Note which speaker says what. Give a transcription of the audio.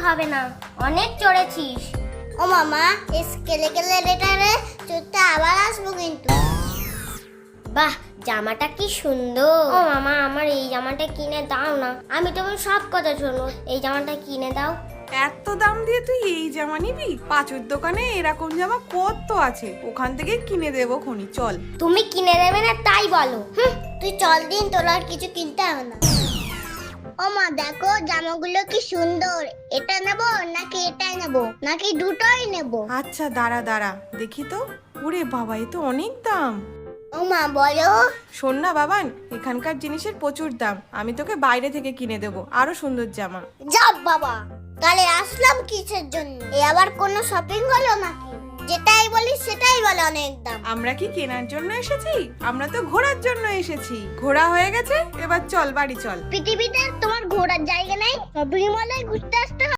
Speaker 1: হবে না, অনেক চড়েছিস।
Speaker 2: ও মামা, স্কেলে গেলে রেটারে চড়তে আবার আসবো কিন্তু।
Speaker 1: বাহ, জামাটা কি সুন্দর। ও মামা, আমার এই জামাটা কিনে দাও না। আমি তোমার সব কথা শোনো, এই জামাটা কিনে দাও।
Speaker 3: এত দাম দিয়ে তুই এই জামা নিবি? পাঁচুর দোকানে এরকম জামা কত আছে, ওখান থেকে কিনে দেবো খনি, চল।
Speaker 1: তুমি কিনে দেবে না তাই বলো।
Speaker 2: তুই চল দিন, তোর আর কিছু কিনতে হবে না। ও মা, দেখো জামাগুলো কি সুন্দর। এটা নেবো নাকি এটাই নেবো, নাকি দুটোই নেবো?
Speaker 3: আচ্ছা দাঁড়া দাঁড়া, দেখি তো। ওরে বাবা, এ তো অনেক দাম।
Speaker 2: ও মা, বলো।
Speaker 3: শোন না বাবান, এখানকার জিনিসের প্রচুর দাম, আমি তোকে বাইরে থেকে কিনে দেবো আরো সুন্দর জামা।
Speaker 2: যাব বাবা, তাহলে আসলাম কিসের জন্য? এ আবার কোনো শপিং হলো নাকি? যেটাই বলি সেটাই বলে অনেক দাম।
Speaker 3: আমরা কি কেনার জন্য এসেছি? আমরা তো ঘোরার জন্য এসেছি। ঘোরা হয়ে গেছে, এবার চল বাড়ি চল।
Speaker 2: পৃথিবীতে তোমার ঘোরার জায়গা নাই, শপিং মলে ঘুরতে আসতে হবে।